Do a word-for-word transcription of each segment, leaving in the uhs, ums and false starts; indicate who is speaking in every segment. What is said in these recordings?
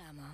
Speaker 1: Reklama.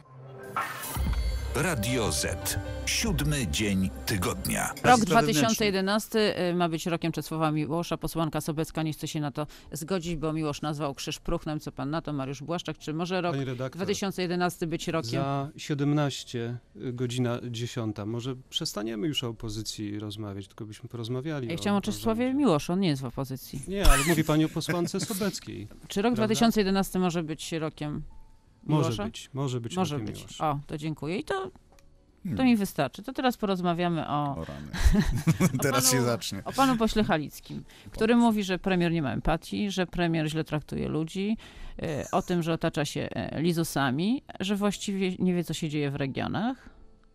Speaker 2: Radio Z. Siódmy dzień tygodnia.
Speaker 3: Rok dwa tysiące jedenasty ma być rokiem Czesława Miłosza. Posłanka Sobecka nie chce się na to zgodzić, bo Miłosz nazwał krzyż próchnem. Co pan na to, Mariusz Błaszczak? Czy może rok dwa tysiące jedenasty być rokiem?
Speaker 4: Za siedemnaście, godzina dziesiąta. Może przestaniemy już o opozycji rozmawiać, tylko byśmy porozmawiali.
Speaker 3: Ja chciałam o Czesławie Miłoszu, on nie jest w opozycji.
Speaker 4: Nie, ale mówi pani o posłance Sobeckiej.
Speaker 3: Czy rok dwa tysiące jedenasty może być rokiem Miłosza?
Speaker 4: Może być, może być
Speaker 3: Może
Speaker 4: rokiem
Speaker 3: być.
Speaker 4: Miłosza.
Speaker 3: O, to dziękuję. I to, to
Speaker 5: Hmm.
Speaker 3: mi wystarczy. To teraz porozmawiamy o,
Speaker 5: O rany.
Speaker 3: o,
Speaker 5: Teraz
Speaker 3: panu,
Speaker 5: się zacznie.
Speaker 3: o panu pośle Halickim, który mówi, że premier nie ma empatii, że premier źle traktuje ludzi, e, o tym, że otacza się e, lizusami, że właściwie nie wie, co się dzieje w regionach.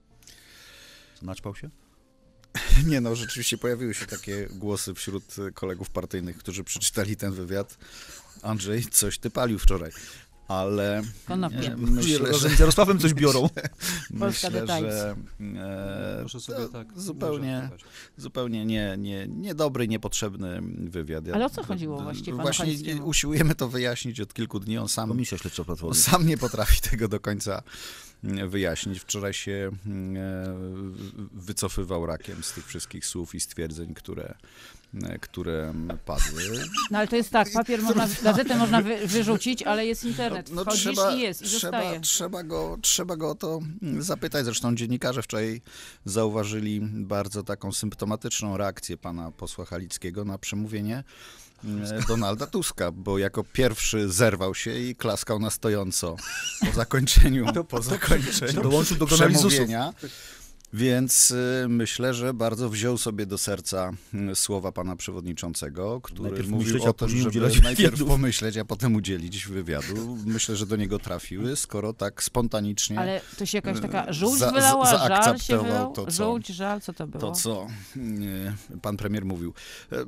Speaker 5: Naćpał się? Nie no, rzeczywiście pojawiły się takie głosy wśród kolegów partyjnych, którzy przeczytali ten wywiad. Andrzej, coś ty palił wczoraj. Ale
Speaker 3: Konopie.
Speaker 5: e, myślę, że
Speaker 6: z Jarosławem coś biorą.
Speaker 3: Polska
Speaker 5: myślę,
Speaker 3: The Times.
Speaker 5: że e,
Speaker 4: Proszę sobie
Speaker 5: to
Speaker 4: tak
Speaker 5: zupełnie,
Speaker 4: używać.
Speaker 5: zupełnie nie, nie, niedobry, niepotrzebny wywiad. Ja-
Speaker 3: Ale o co chodziło właściwie panu
Speaker 5: Właśnie
Speaker 3: Halickiemu?
Speaker 5: usiłujemy to wyjaśnić od kilku dni. On sam
Speaker 6: Komisja Śledcza Platformy.
Speaker 5: Sam nie potrafi tego do końca wyjaśnić. Wczoraj się e, wycofywał rakiem z tych wszystkich słów i stwierdzeń, które, e, które padły.
Speaker 3: No ale to jest tak, papier można, gazetę można wy, wyrzucić, ale jest internet.
Speaker 5: No,
Speaker 3: Wchodzisz
Speaker 5: trzeba,
Speaker 3: i jest, i
Speaker 5: trzeba,
Speaker 3: zostaje.
Speaker 5: trzeba, go, trzeba go o to zapytać. Zresztą dziennikarze wczoraj zauważyli bardzo taką symptomatyczną reakcję pana posła Halickiego na przemówienie e, Donalda Tuska, bo jako pierwszy zerwał się i klaskał na stojąco po zakończeniu, po zakończeniu
Speaker 6: Dołączył do analizusów.
Speaker 5: przemówienia. Więc y, myślę, że bardzo wziął sobie do serca y, słowa pana przewodniczącego, który
Speaker 6: Najpierw
Speaker 5: mówił
Speaker 6: myśleć,
Speaker 5: o
Speaker 6: a
Speaker 5: tym,
Speaker 6: później
Speaker 5: żeby
Speaker 6: udzielać
Speaker 5: najpierw
Speaker 6: wywiadów.
Speaker 5: pomyśleć, a potem udzielić wywiadu. Myślę, że do niego trafiły, skoro tak spontanicznie
Speaker 3: Ale to się jakaś taka żółć
Speaker 5: za-
Speaker 3: wylała,
Speaker 5: za-
Speaker 3: żal się
Speaker 5: zaakceptował
Speaker 3: wylał?
Speaker 5: to, co-
Speaker 3: Żółć, żal, co to było?
Speaker 5: to, co y, pan premier mówił. Y,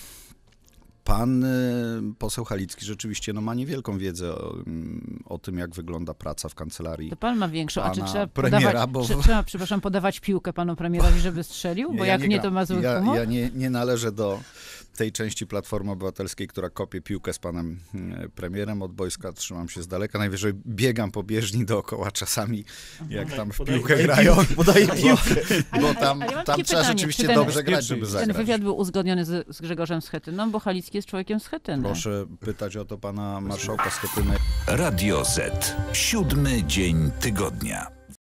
Speaker 5: Pan y, poseł Halicki rzeczywiście no, ma niewielką wiedzę o, o tym, jak wygląda praca w kancelarii.
Speaker 3: To pan ma większą, a czy
Speaker 5: pana
Speaker 3: trzeba
Speaker 5: premiera,
Speaker 3: podawać,
Speaker 5: bo-
Speaker 3: czy, trzeba, przepraszam, podawać piłkę panu premierowi, żeby strzelił? Bo
Speaker 5: Ja
Speaker 3: jak nie, to
Speaker 5: gram.
Speaker 3: ma zły
Speaker 5: ja,
Speaker 3: humor?
Speaker 5: ja nie, nie należę do tej części Platformy Obywatelskiej, która kopie piłkę z panem e, premierem. Od boiska trzymam się z daleka. Najwyżej biegam po bieżni dookoła czasami, jak tam w piłkę grają.
Speaker 6: Podaje piłkę.
Speaker 3: Ale-
Speaker 5: Bo
Speaker 3: ale-
Speaker 5: tam,
Speaker 3: ale ja mam
Speaker 5: tam
Speaker 3: takie
Speaker 5: trzeba
Speaker 3: pytanie,
Speaker 5: rzeczywiście
Speaker 3: czy ten-
Speaker 5: dobrze grać, żeby
Speaker 4: Ten
Speaker 3: Ten
Speaker 5: zagrać.
Speaker 3: wywiad był uzgodniony z, z Grzegorzem Schetyną, bo Halicki jest człowiekiem Schetyny.
Speaker 5: Proszę pytać o to pana marszałka Schetyny.
Speaker 2: Radio Z. Siódmy dzień tygodnia.